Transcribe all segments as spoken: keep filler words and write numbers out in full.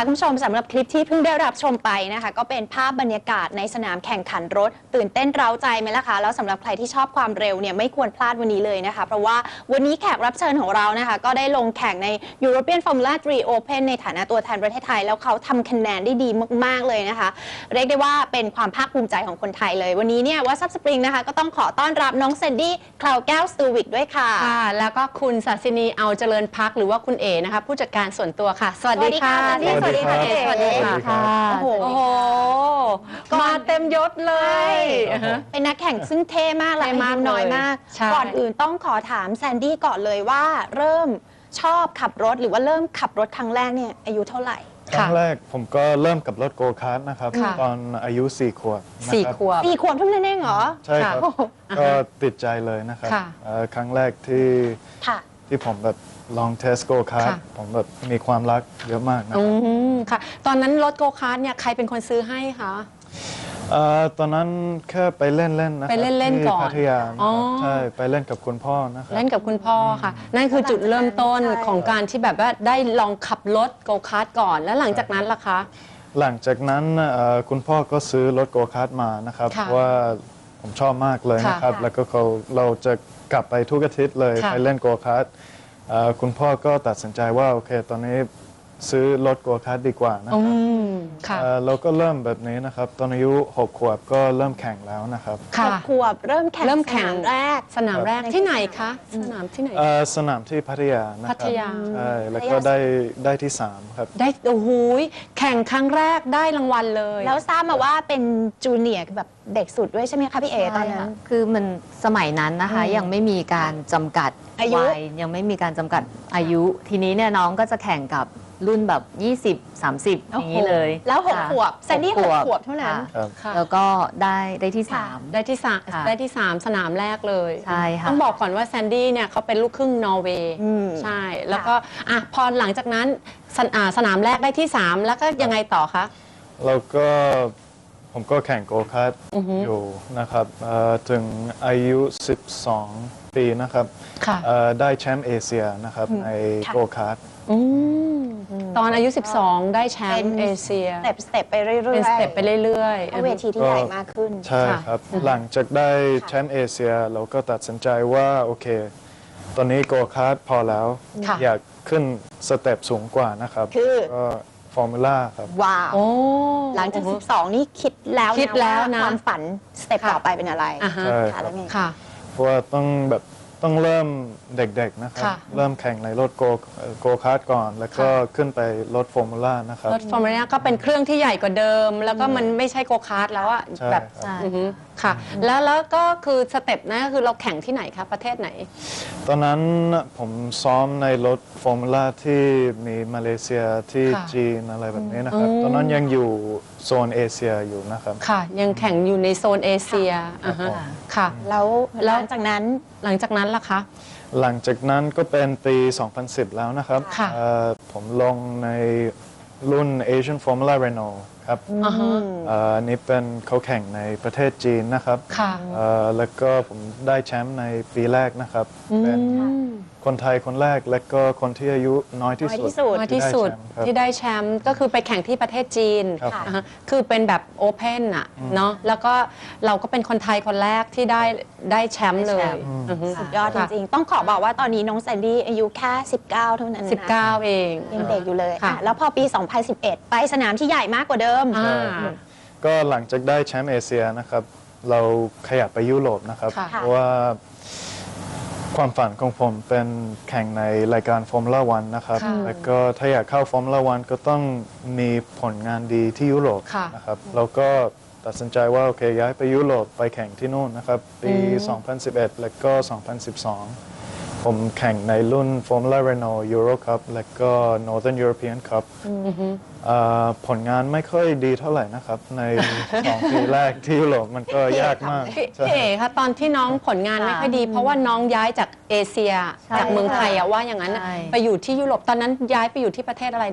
ค่ะคุณผู้ชมสำหรับคลิปที่เพิ่งได้รับชมไปนะคะก็เป็นภาพบรรยากาศในสนามแข่งขันรถตื่นเต้นเร้าใจไหมล่ะคะแล้วสำหรับใครที่ชอบความเร็วเนี่ยไม่ควรพลาดวันนี้เลยนะคะเพราะว่าวันนี้แขกรับเชิญของเรานะคะก็ได้ลงแข่งใน European Formula ทรี Open ในฐานะตัวแทนประเทศไทยแล้วเขาทำคะแนนได้ดีมากๆเลยนะคะเรียกได้ว่าเป็นความภาคภูมิใจของคนไทยเลยวันนี้เนี่ยว่าซับสปริงนะคะก็ต้องขอต้อนรับน้องแซนดี้คลาวแก้วสตูวิกด้วยค่ะค่ะแล้วก็คุณศาสินีเอาเจริญพักหรือว่าคุณเอ๋นะคะผู้จัดการส่วนตัวค่ะสวัสดีค่ะสวัสดีค่ะสวัสดีค่ะโอ้โหมาเต็มยศเลยเป็นนักแข่งซึ่งเท่มากและอายุน้อยมากก่อนอื่นต้องขอถามแซนดี้ก่อนเลยว่าเริ่มชอบขับรถหรือว่าเริ่มขับรถครั้งแรกเนี่ยอายุเท่าไหร่ครั้งแรกผมก็เริ่มกับรถโกคาร์ทนะครับตอนอายุสี่ขวบสี่ขวบสี่ขวบเท่านั้นเองเหรอใช่ครับก็ติดใจเลยนะครับครั้งแรกที่ที่ผมแบบลองเทสโกคาร์ทผมแบบมีความรักเยอะมากนะครับค่ะตอนนั้นรถโกคาร์ทเนี่ยใครเป็นคนซื้อให้คะตอนนั้นแค่ไปเล่นเล่นนะไปเล่นเล่นก่อนพัทยาใช่ไปเล่นกับคุณพ่อนะครับเล่นกับคุณพ่อค่ะนั่นคือจุดเริ่มต้นของการที่แบบว่าได้ลองขับรถโกคาร์ทก่อนแล้วหลังจากนั้นล่ะคะหลังจากนั้นคุณพ่อก็ซื้อรถโกคาร์ทมานะครับว่าผมชอบมากเลยนะครับแล้วก็เขาเราจะกลับไปทุกอาทิตย์เลยไปเล่นโกคาร์ทคุณพ่อก็ตัดสินใจว่าโอเคตอนนี้ซื้อรถโกคาร์ทดีกว่านะครับเราก็เริ่มแบบนี้นะครับตอนอายุหกขวบก็เริ่มแข่งแล้วนะครับหกขวบเริ่มแข่งเริ่มแข่งแรกสนามแรกที่ไหนคะสนามที่ไหนสนามที่พัทยานะครับพัทยาใช่แล้วก็ได้ได้ที่สามครับได้โอ้โหแข่งครั้งแรกได้รางวัลเลยแล้วทราบมาว่าเป็นจูเนียร์แบบเด็กสุดด้วยใช่ไหมคะพี่เอตอนนั้นคือมันสมัยนั้นนะคะยังไม่มีการจำกัดอายุยังไม่มีการจำกัดอายุทีนี้เนี่ยน้องก็จะแข่งกับรุ่นแบบยี่สิบ สามสิบอย่างนี้เลยแล้วหกขวบแซนดี้หกขวบเท่านั้นแล้วก็ได้ได้ที่สามได้ที่สามได้ที่สามสนามแรกเลยใช่ค่ะต้องบอกก่อนว่าแซนดี้เนี่ยเขาเป็นลูกครึ่งนอร์เวย์ใช่แล้วก็อ่ะพอหลังจากนั้นสนามแรกได้ที่สามแล้วก็ยังไงต่อคะแล้วก็ผมก็แข่งโกคาร์ทอยู่นะครับถึงอายุสิบสองปีนะครับได้แชมป์เอเชียนะครับในโกคาร์ทตอนอายุสิบสองได้แชมป์เอเชียสเต็ปสเต็ปไปเรื่อยๆเป็นสเต็ปไปเรื่อยๆเวทีที่ใหญ่มากขึ้นใช่ครับหลังจากได้แชมป์เอเชียเราก็ตัดสินใจว่าโอเคตอนนี้โกคาร์ทพอแล้วอยากขึ้นสเต็ปสูงกว่านะครับคือฟอร์มูล่าครับว้าวหลังจากสิบสองนี่คิดแล้วคิดแล้วนะความฝันสเต็ปต่อไปเป็นอะไรใช่ค่ะเพราะว่าต้องแบบต้องเริ่มเด็กๆนะครับเริ่มแข่งในรถโกโกคาร์ทก่อนแล้วก็ขึ้นไปรถฟอร์มูล่านะครับรถฟอร์มูล่าก็เป็นเครื่องที่ใหญ่กว่าเดิมแล้วก็มันไม่ใช่โกคาร์ทแล้วอะแบบค่ะแล้วแล้วก็คือสเต็ปนั้นก็คือเราแข่งที่ไหนคะประเทศไหนตอนนั้นผมซ้อมในรถฟอร์มูล่าที่มีมาเลเซียที่จีนอะไรแบบนี้นะครับตอนนั้นยังอยู่โซนเอเชียอยู่นะครับค่ะยังแข่งอยู่ในโซนเอเชียค่ะแล้วหลังจากนั้นหลังจากนั้นล่ะคะหลังจากนั้นก็เป็นปี สองพันสิบ แล้วนะครับผมลงในรุ่น Asian Formula Renault ครับอันนี้เป็นเขาแข่งในประเทศจีนนะครับแล้วก็ผมได้แชมป์ในปีแรกนะครับเป็นคนไทยคนแรกและก็คนที่อายุน้อยที่สุดน้อยที่สุดที่ได้แชมป์ก็คือไปแข่งที่ประเทศจีนคือเป็นแบบโอเพนอะเนาะแล้วก็เราก็เป็นคนไทยคนแรกที่ได้ได้แชมป์เลยสุดยอดจริงๆต้องขอบอกว่าตอนนี้น้องแซนดี้อายุแค่สิบเก้าเท่านั้นนะสิบเก้าเองยังเด็กอยู่เลยแล้วพอปีสองพันสิบเอ็ดไปสนามที่ใหญ่มากกว่าเดิมก็หลังจากได้แชมป์เอเชียนะครับเราขยับไปยุโรปนะครับเพราะว่าความฝันของผมเป็นแข่งในรายการฟอร์มูล่าวันนะครับแล้วก็ถ้าอยากเข้าฟอร์มูล่าวันก็ต้องมีผลงานดีที่ยุโรปนะครับเราก็ตัดสินใจว่าโอเคย้ายไปยุโรปไปแข่งที่นู่นนะครับปี สองพันสิบเอ็ด และก็ สองพันสิบสอง ผมแข่งในรุ่น Formula Renault Euro Cup และก็ Northern European Cup ผลงานไม่ค่อยดีเท่าไหร่นะครับในสองปีแรกที่ยุโรปมันก็ยากมากพี่เอ๋คะตอนที่น้องผลงานไม่ค่อยดีเพราะว่าน้องย้ายจากเอเชียจากเมืองไทยอะว่าอย่างนั้นไปอยู่ที่ยุโรปตอนนั้นย้ายไปอยู่ที่ประเทศอะไรนะคะ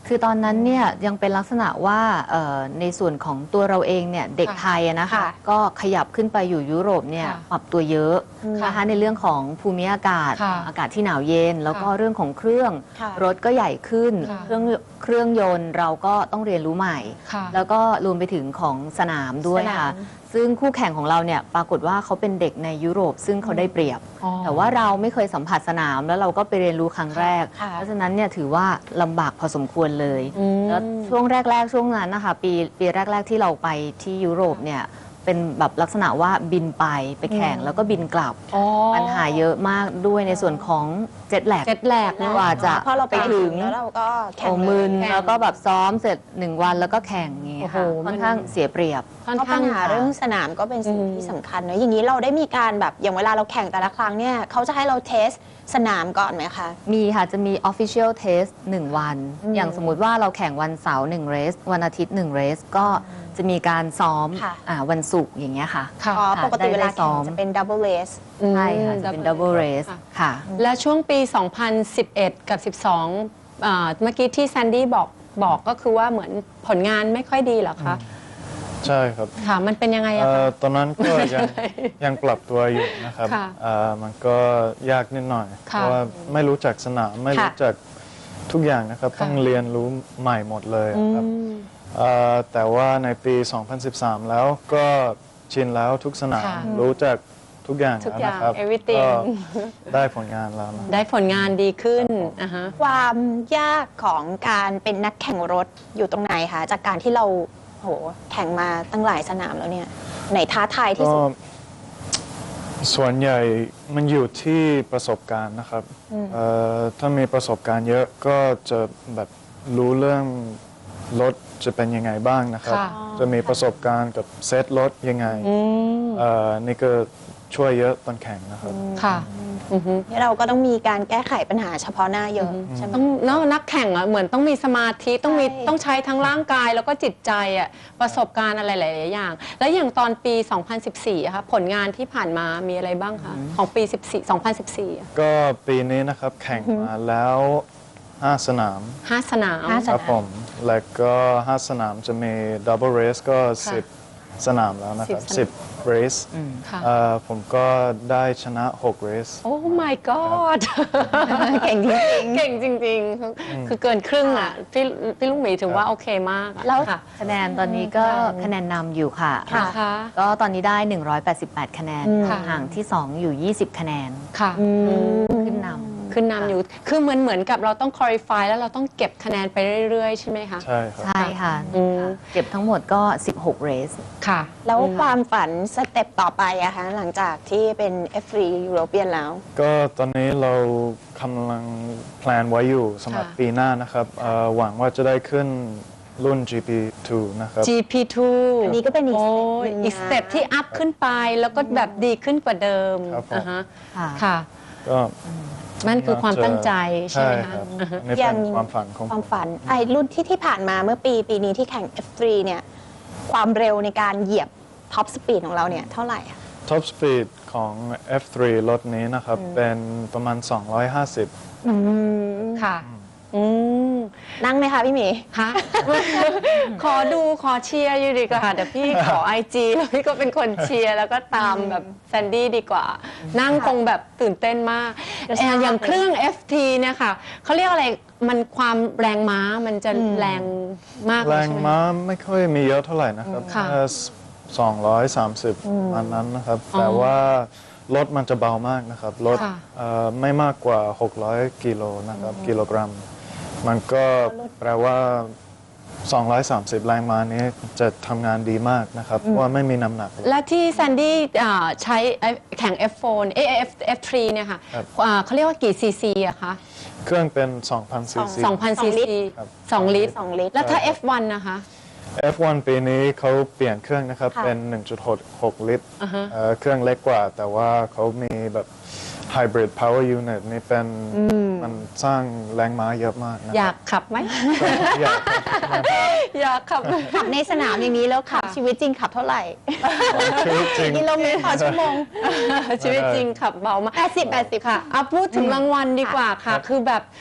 คือตอนนั้นเนี่ยยังเป็นลักษณะว่าเอ่อในส่วนของตัวเราเองเนี่ยเด็กค่ะไทยอะนะคะค่ะก็ขยับขึ้นไปอยู่ยุโรปเนี่ยค่ะปรับตัวเยอะนะคะในเรื่องของภูมิอากาศค่ะอากาศที่หนาวเย็น แล้วก็ค่ะเรื่องของเครื่องค่ะรถก็ใหญ่ขึ้นค่ะเครื่องเครื่องยนต์เราก็ต้องเรียนรู้ใหม่ค่ะแล้วก็รวมไปถึงของสนามด้วยสนามค่ะ ซึ่งคู่แข่งของเราเนี่ยปรากฏว่าเขาเป็นเด็กในยุโรป ซึ่งเขาได้เปรียบอ๋อแต่ว่าเราไม่เคยสัมผัสสนามแล้วเราก็ไปเรียนรู้ครั้งแรกค่ะเพราะฉะนั้นเนี่ยถือว่าลำบากพอสมควรเลยอืมแล้วช่วงแรก ๆ ช่วงนั้นนะคะปีปีแรก ๆ ที่เราไปที่ยุโรปเนี่ยเป็นแบบลักษณะว่าบินไปไปแข่งแล้วก็บินกลับอ๋อปัญหาเยอะมากด้วยในส่วนของเจ็ตแลกเจ็ตแลกเนอะกว่าจะเพราะเราไปไปถึถึงงแล้วเราก็แข่งโอ้เลยมึนแข่งแล้วก็แบบซ้อมเสร็จหนึ่งวันแล้วก็แข่งอย่างเงี้ยค่ะโอ้โหค่อนข้างเสียเปรียบค่อนเพราะข้าปังญหาเรื่องสนามก็เป็นสิ่งอืมที่สำคัญเนอะอย่างนี้เราได้มีการแบบอย่างเวลาเราแข่งแต่ละครั้งเนี่ยเขาจะให้เราเทสสนามก่อนไหมคะมีค่ะจะมี official test หนึ่งวันอืมอย่างสมมุติว่าเราแข่งวันเสาร์หนึ่งเรสวันอาทิตย์หนึ่งเรสก็จะมีการซ้อมค่ะอ่าวันศุกร์อย่างเงี้ยค่ะค่ะอ๋อปกติเวลาได้ซ้แข่อง มจะเป็นดับเบิลเลสใช่ค่ะจะเป็น double race ค่ะและช่วงปี สองพันสิบเอ็ด กับ สิบสองอ่าเมื่อกี้ที่แซนดี้บอกบอกก็คือว่าเหมือนผลงานไม่ค่อยดีเหรอคะใช่ครับค่ะ มันเป็นยังไงอะเอ่คะอตอนนั้นก็ยังยังปรับตัวอยู่นะครับค่ะเอ่อมันก็ยากนิดหน่อย เพค่ะราะว่าไม่รู้จักสนามไม่รู้จักทุกอย่างนะครับค่ะต้องเรียนรู้ใหม่หมดเลยอืครับมเอ่อแต่ว่าในปี สองพันสิบสาม แล้วก็ชินแล้วทุกสนามค่ะรู้จักทุกอย่างทุกแล้วอย่างนะครับ everything ก็ได้ผลงานแล้วนะได้ผลงานดีขึ้นอ่าฮะความยากของการเป็นนักแข่งรถอยู่ตรงไหนคะจากการที่เราโหแข่งมาตั้งหลายสนามแล้วเนี่ยไหนท้าทายที่ก็สุดส่วนใหญ่มันอยู่ที่ประสบการณ์นะครับเอ่อถ้ามีประสบการณ์เยอะก็จะแบบรู้เรื่องรถจะเป็นยังไงบ้างนะครับค่ะจะมีประสบการณ์กับเซตรถยังไงอืมเอ่อนี่ก็ช่วยเยอะตอนแข่งนะครับค่ะอือฮึที่เราก็ต้องมีการแก้ไขปัญหาเฉพาะหน้าเยอะใช่ไหมต้องเนอะนักแข่งอะเหมือนต้องมีสมาธิต้องมีใช่ต้องใช้ทั้งร่างกายแล้วก็จิตใจอะประสบการณ์อะไรหลาย ๆ อย่าง แล้วอย่างตอนปี สองพันสิบสี่อะคะผลงานที่ผ่านมามีอะไรบ้างคะของปีสิบสี่ สองพันสิบสี่อะก็ปีนี้นะครับแข่งมาแล้วห้าสนามห้าสนามห้าครับผมแล้วก็ห้าสนามจะมีดับเบิลเรสก็สิบสนามแล้วนะครับสิสิบบเรสค่ะเอ่อผมก็ได้ชนะหกเรสโอ้ my god เก่งจริงเก่งจริง ๆ คือคือเกินครึ่งอ่ะพี่พี่ลุงหมีถือว่าโอเคมากอะแล้วค่ะคะแนนตอนนี้ก็คะแนนนำอยู่ค่ะค่ะนะคะก็ตอนนี้ได้ หนึ่งร้อยแปดสิบแปด คะแนนค่ะห่างที่ สอง อยู่ ยี่สิบ คะแนนค่ะขึ้นนำขึ้นนำอยู่ คือเหมือนเหมือนกับเราต้อง qualify แล้วเราต้องเก็บคะแนนไปเรื่อย ๆ ใช่ไหมคะใช่ครับใช่ค่ะอืมเก็บทั้งหมดก็ สิบหก เรสค่ะแล้วความฝันสเต็ปต่อไปอะคะหลังจากที่เป็น เอฟ ทรี European แล้วก็ตอนนี้เรากำลังแพลนไว้อยู่สำหรับค่ะปีหน้านะครับเอ่อหวังว่าจะได้ขึ้นรุ่น จี พี ทู นะครับจี พี ทูอันนี้ก็เป็นอีกโอ้สเต็ปหนึ่งนะอีกสเต็ปที่อัพขึ้นไปแล้วก็แบบดีขึ้นกว่าเดิมครับผมอ่าฮะค่ะค่ะก็นั่นคือความตั้งใจใช่ใช่ไหมคคะรับอ่าฮะอันนี้ยัเป็นงความฝันของคผวามมฝันไอ้รุ่นที่ที่ผ่านมาเมื่อปีปีนี้ที่แข่ง เอฟ ทรี เนี่ย ความเร็วในการเหยียบท็อปสปีดของเราเนี่ยเท่าไหร่อะท็อปสปีดของ เอฟ ทรี รถนี้นะครับ เป็นประมาณ สองร้อยห้าสิบค่ะอืมนั่งไหมคะพี่หมีฮะ ขอดูขอเชียร์อยู่ดีกว่าเดี๋ยวพี่ขอไอจีแล้วพี่ก็เป็นคนเชียร์แล้วก็ตามแบบแซนดี้ดีกว่า นั่งคงแบบตื่นเต้นมากกระชากเอ่ออย่างเครื่อง เอฟ ที เนี่ยค่ะเขาเรียกอะไรมันความแรงม้ามันจะแรงมากเลแรยงใช่ไหมม้าไม่ค่อยมีเยอะเท่าไหร่นะครับค่ะแค่สองร้อยสามสิบประมาณนั้นนะครับ แต่ว่ารถมันจะเบามากนะครับ รถค่ะเอ่อไม่มากกว่า หกร้อย กิโลนะครับ กิโลกรัม มันก็แปลว่า สองร้อยสามสิบ แรงม้านี้จะทำงานดีมากนะครับ เพราะว่าไม่มีน้ำหนักเลยและที่แซนดี้อ่าใช้แข่ง เอฟ โฟร์ เอ เอฟ เอฟ ทรี เนี่ยค่ะครับอ่าเขาเรียกว่ากี่ซีซีอะคะเครื่องเป็น สองพัน ซีซีสองพันสซีองลิตรซีครับสองลิตรสองลิตรแล้วถ้า เอฟ วัน นะคะเอฟ วัน ปีนี้เขาเปลี่ยนเครื่องนะครับค่ะเป็น หนึ่งจุดหก ลิตรอ่าฮะเอ่อเครื่องเล็กกว่า แต่ว่าเขามีแบบ Hybrid Power Unit นี่เป็นมันสร้างแรงม้าเยอะมากนะอยากขับไหมอยากอยากขับขับในสนามอย่างนี้แล้วขับค่ะชีวิตจริงขับเท่าไหร่ชีวิตจริงกิโลเมตรต่อชั่วโมงชีวิตจริงขับเบามากแปดสิบ แปดสิบค่ะเอาพูดถึงรางวัลดีกว่าค่ะครับคือแบบ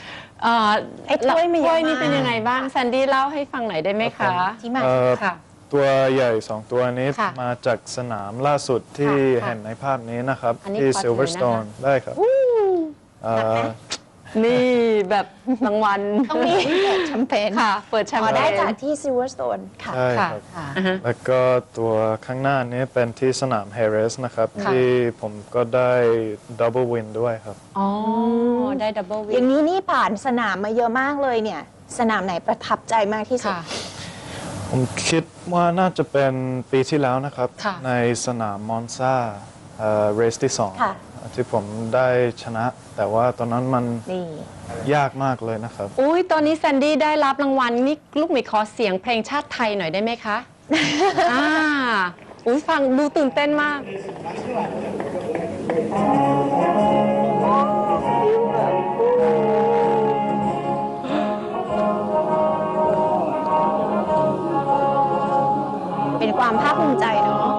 เอ่อไอ้ถ้วยมีถ้วยเยอะมากนี่เป็นยังไงบ้างแซนดี้เล่าให้ฟังหน่อยได้ไหมคะที่มาเอ่อค่ะตัวใหญ่สองตัวนี้ค่ะมาจากสนามล่าสุดที่ค่ะเห็นในภาพนี้นะครับอันนี้ที่ขอถือ Silverstone นะคะได้ครับเอ่อนี่แบบรางวัลต้องมีเปิดแชมเปญค่ะ เปิดแชมอ๋อเปญได้จากที่ Silverstone ค่ะใช่ค่ะครับค่ะอ่าฮะแล้วก็ตัวข้างหน้านี้เป็นที่สนามเฮเรสนะครับค่ะที่ผมก็ได้ดับเบิลวินด้วยครับอ๋อ ได้ดับเบิลวิอย่างนี้นี่ผ่านสนามมาเยอะมากเลยเนี่ย สนามไหนประทับใจมากที่สุดค่ะผมคิดว่าน่าจะเป็นปีที่แล้วนะครับค่ะในสนามมอนซาเรสที่สองค่ะที่ผมได้ชนะ แต่ว่าตอนนั้นมันนี่ยากมากเลยนะครับอุ้ยตอนนี้แซนดี้ได้รับรางวัลนี่ลูกหมีขอเสียงเพลงชาติไทยหน่อยได้ไหมคะ อ่าอุ้ยฟังดูตื่นเต้นมากเป็นความภาคภูมิใจเนาะ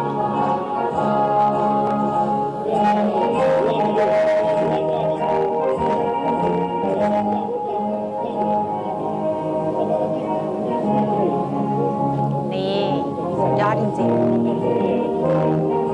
นี่สุดยอดจริงๆ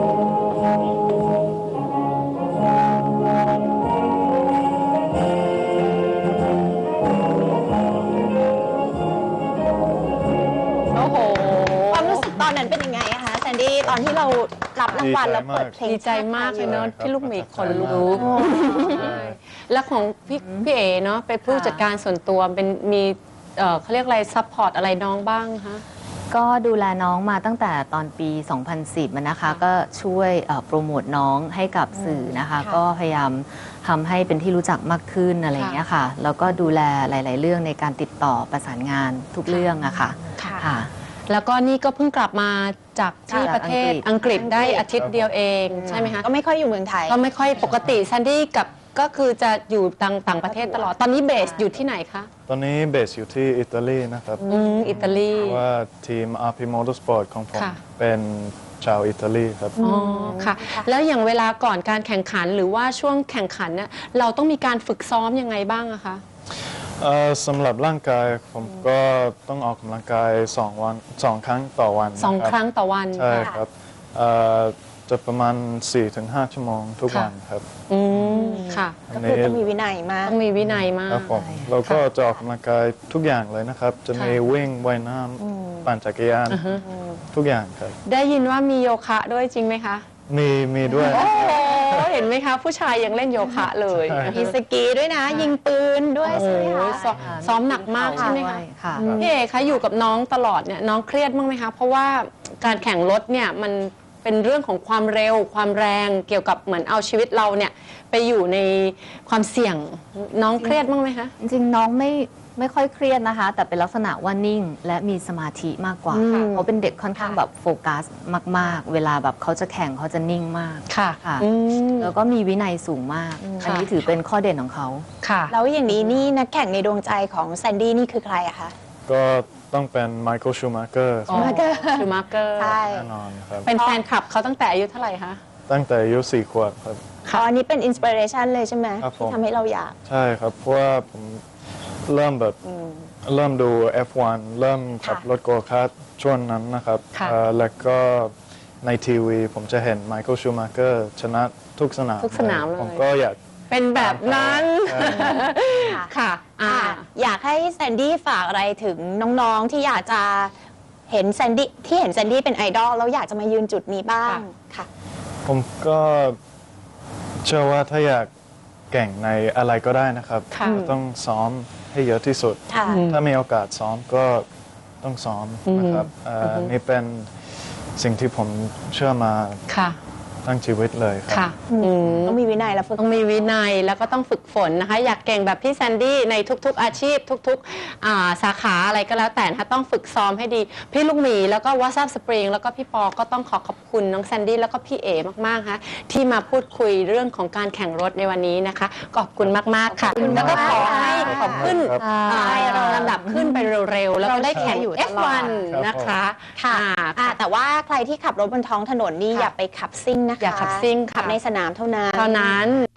โอ้โหความรู้สึกตอนนั้นเป็นยังไงอะคะแซนดี้ตอนที่เรารับรางวัลดีใจแล้วเปิดเพลงดีใจมากเลยเนอะใช่ครับพี่ลูกหมีขนลุโอ้กแล้วของพี่พี่เอ๋เนาะเป็นผู้จัดการส่วนตัวเป็นมีเอ่อเขาเรียกอะไรซัพพอร์ตอะไรน้องบ้างคะก็ดูแลน้องมาตั้งแต่ตอนปี สองพันสิบอะนะคะ ก็ช่วยเอ่อโปรโมทน้องให้กับสื่อนะคะค่ะก็พยายามทำให้เป็นที่รู้จักมากขึ้นอะไรอย่างเงี้ยค่ะ แล้วก็ดูแลหลาย ๆ เรื่องในการติดต่อประสานงานทุกเรื่องอะค่ะค่ะค่ะแล้วก็นี่ก็เพิ่งกลับมาจากที่จากประเทศอัอังงกกฤฤษษได้อาทิตย์เดียวเองใช่ไหมคะก็ไม่ค่อยอยู่เมืองไทยก็ไม่ค่อยปกติแซนดี้กับก็คือจะอยู่ต่างต่างประเทศตลอด ตอนนี้เบสอยู่ที่ไหนคะตอนนี้เบสอยู่ที่อิตาลีนะครับอืมอิตาลีเพราะว่าทีม อาร์ พี Motorsport ของผมค่ะเป็นชาวอิตาลีครับอ๋อค่ะ แล้วอย่างเวลาก่อนการแข่งขันหรือว่าช่วงแข่งขันเนี่ยเราต้องมีการฝึกซ้อมยังไงบ้างอะคะเอ่อสำหรับร่างกายผมก็ต้องออกกำลังกายสองวันสองครั้งต่อวันสองนะบครั้งต่อวันใช่ครับเอ่อจะประมาณ สี่ถึงห้า ชั่วโมงทุกค่ะวันครับอืมค่ะอัก็นคือนี้ต้องมีวินัยมากต้องมีวินัยมาครักบผมเราก็จะออกกำลังกายทุกอย่างเลยนะครับ จะมีค่ะวิ่งว่ายน้ำปั่นจักรยานทุกอย่างครับได้ยินว่ามีโยคะด้วยจริงไหมคะมีมีด้วยโอ้โหเห็นไหมคะ ผู้ชายยังเล่นโยคะเลยใช่มีสกีด้วยนะ ยิงปืนด้วยโอ้ใช่ไหมโหคะซ้อมซ้อมหนักมากใช่ไหมคะค่ะพี่เอคะอยู่กับน้องตลอดเนี่ยน้องเครียดบ้างไหมคะ เพราะว่าการแข่งรถเนี่ยมันเป็นเรื่องของความเร็วความแรงเกี่ยวกับเหมือนเอาชีวิตเราเนี่ยไปอยู่ในความเสี่ยงน้องเครียดบ้างไหมคะจริงๆ น้องไม่ไม่ค่อยเครียดนะคะ แต่เป็นลักษณะว่านิ่งและมีสมาธิมากกว่าอืมเขาเป็นเด็กค่อนข้างแบบโฟกัสมาก ๆ เวลาแบบเขาจะแข่งเขาจะนิ่งมากค่ะค่ะอืมแล้วก็มีวินัยสูงมาก อันนี้ถือเป็นข้อเด่นของเขาค่ะแล้วอย่างนี้นี่นักแข่งในดวงใจของแซนดี้นี่คือใครอะคะก็ต้องเป็นไมเคิลชูมาเกอร์ชูมาเกอร์ชูมาเกอร์ใช่แน่นอนครับเป็นแฟนคลับเขาตั้งแต่อายุเท่าไหร่คะตั้งแต่อายุสี่ขวบครับอ๋ออันนี้เป็นอินสปิเรชันเลยใช่ไหมครับผมที่ทำให้เราอยากใช่ครับ เพราะว่าผมเริ่มแบบเริ่มดู เอฟ วัน เริ่มขับค่ะรถโกคาร์ทช่วงนั้นนะครับค่ะเอ่อแล้วก็ในทีวีผมจะเห็นไมเคิลชูมาเกอร์ชนะทุกสนามทุกสนามเลยผมก็อยากเป็นแบบนั้นใช่ค่ะอ่าอ่ะอยากให้แซนดี้ฝากอะไรถึงน้องๆที่อยากจะเห็นแซนดี้ที่เห็นแซนดี้เป็นไอดอลแล้วอยากจะมายืนจุดนี้บ้างค่ะผมก็เชื่อว่าถ้าอยากเก่งในอะไรก็ได้นะครับค่ะก็ต้องซ้อมให้เยอะที่สุดค่ะถ้ามีโอกาสซ้อมก็ต้องซ้อมนะครับเอ่ออนี่เป็นสิ่งที่ผมเชื่อมาค่ะทั้งชีวิตเลยครับค่ะอืมต้องมีวินัยและฝึกต้องมีวินัยแล้วก็ต้องฝึกฝนนะคะ อยากเก่งแบบพี่แซนดี้ในทุกๆอาชีพทุกๆอ่าสาขาอะไรก็แล้วแต่นะคะต้องฝึกซ้อมให้ดี พี่ลูกหมีแล้วก็ว a ซับสปริงแล้วก็พี่ปอก็ต้องขอขอบคุณน้องแซนดี้แล้วก็พี่เอมากๆค่ะที่มาพูดคุยเรื่องของการแข่งรถในวันนี้นะคะขอบคุณมากๆค่ะขอบคุณแล้วก็ขอมากๆให้ค่ะขอบขึ้นครับอ่าลำดับขึ้นไปเร็วๆแล้วก็ได้แข่งอยู่เอตฟลอดวันครับนะคะค่ะอ่าอ่ะแต่ว่าใครที่ขับรถบนท้องถนนนี่ค่ะอย่าไปขับซิ่งนะคะอย่าขับซิ่งค่ะขับในสนามเท่านั้นเท่านั้น